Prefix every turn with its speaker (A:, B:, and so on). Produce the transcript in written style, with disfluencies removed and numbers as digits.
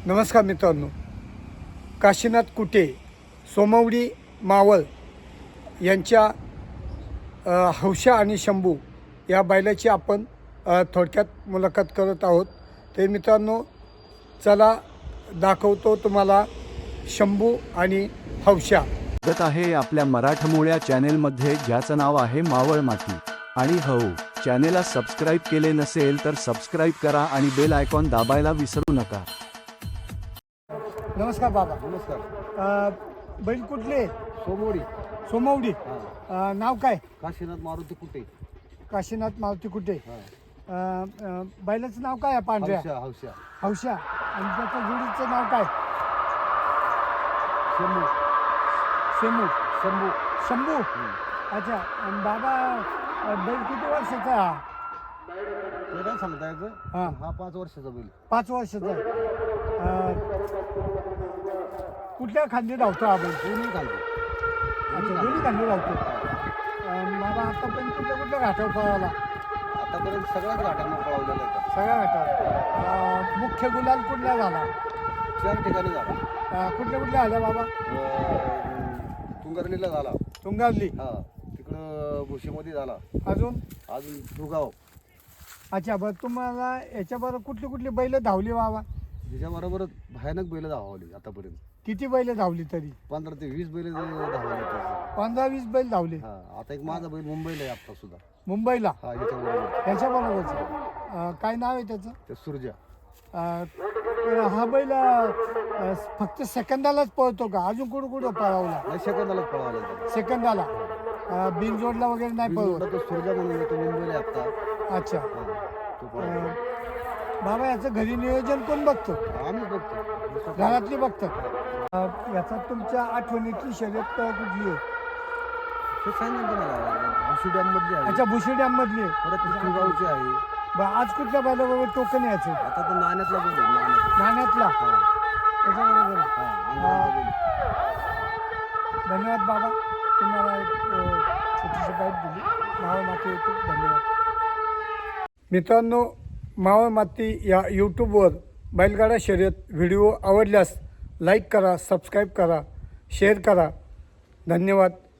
A: नमस्कार मित्रांनो, काशीनाथ कुटे सोमवडी मावळ यांच्या हौशा आणि शंभू या बैलाची आपण थोडक्यात मुलाखत करत आहोत। ते मित्रांनो, चला दाखवतो तुम्हाला शंभू आणि हौशा।
B: स्वागत आहे आपल्या मराठमोळ्या चॅनेलमध्ये, ज्याचं नाव आहे मावळ माती आणि हो। चॅनेलला सबस्क्राईब केले नसेल तर सबस्क्राईब करा आणि बेल आयकॉन दाबायला विसरू नका।
A: नमस्कार बाबा।
C: नमस्कार।
A: बैल कुठले?
C: सोमवडी।
A: सोमवडी। नाव काय?
C: काशीनाथ मारुती कुटे।
A: काशीनाथ मारुती कुटे। बैलाचं नाव काय आहे? पांढऱ्या
C: हौशा।
A: हौशा। आणि त्याच्या जोडीचं नाव काय?
C: शंभू।
A: शंभू।
C: शंभू।
A: शंभू। अच्छा। आणि बाबा, बैल किती वर्षाचा आहे हा?
C: ते काय सांगता याचं? हा 5 वर्षाचा बैल।
A: 5 वर्षाचा आहे। कुठल्या खांदी धावतो हा बैल?
C: दोन्ही घालतो।
A: अच्छा, दोन्ही खांदी धावतो। बाबा, आतापर्यंत कुठल्या घाटावर पळाला?
C: आतापर्यंत सगळ्याच घाटांना पळवलेलं आहे।
A: सगळ्या घाटावर। मुख्य गुलाल कुठला झाला?
C: 4 ठिकाणी झाला।
A: कुठल्या आल्या बाबा?
C: तुंगरलीला झाला।
A: तुंगावली।
C: तिकडं भुशीमध्ये झाला।
A: अजून
C: दुगाव।
A: अच्छा, बरं, तुम्हाला याच्याबरोबर कुठली बैल धावली बाबा?
C: त्याच्याबरोबर भयानक बैल धावली आतापर्यंत।
A: किती बैल धावली तरी?
C: 15 ते 20 बैल धावले।
A: 15-20 बैल धावले।
C: आता एक माझा बैल मुंबईला आहे आता सुद्धा।
A: मुंबईला?
C: याच्याबरोबर।
A: काय नाव आहे त्याचं?
C: ते सुरजा।
A: हा बैल फक्त सेकंदालाच पळतो का? अजून कुठं पळवला?
C: सेकंदालाच पळाला।
A: सेकंदाला बिनजोडला वगैरे नाही पळवला?
C: तो सुरजा म्हणून येतो मुंबईला आता।
A: अच्छा।
C: तो पळाला।
A: बाबा, याचं घरी नियोजन कोण बघतो?
C: आम्ही बघतो।
A: घरातली बघतात। याचा तुमच्या आठवणीतली शर्यत कुठली आहे?
C: ते सांगितलं तुम्हाला, भुशी डॅम मधली आहे।
A: अच्छा, भुशी डॅम मधली आहे।
C: परत तुगावची आहे।
A: बरं, आज कुठल्या बैलाबरोबर टोकन यायचं?
C: आता तर नाण्यातला बैल आहे,
A: नाण्यातला? त्याच्याबरोबर आहे.
C: अंगारचा बैल।
A: धन्यवाद बाबा, तुम्हाला एक छोटीशी बाईट दिली। मावळ माती यूट्यूब, धन्यवाद मित्रांनो। मावळ माती या यूट्यूबवर बैलगाडा शर्यत व्हिडिओ आवडल्यास लाईक करा, सबस्क्राईब करा, शेअर करा। धन्यवाद।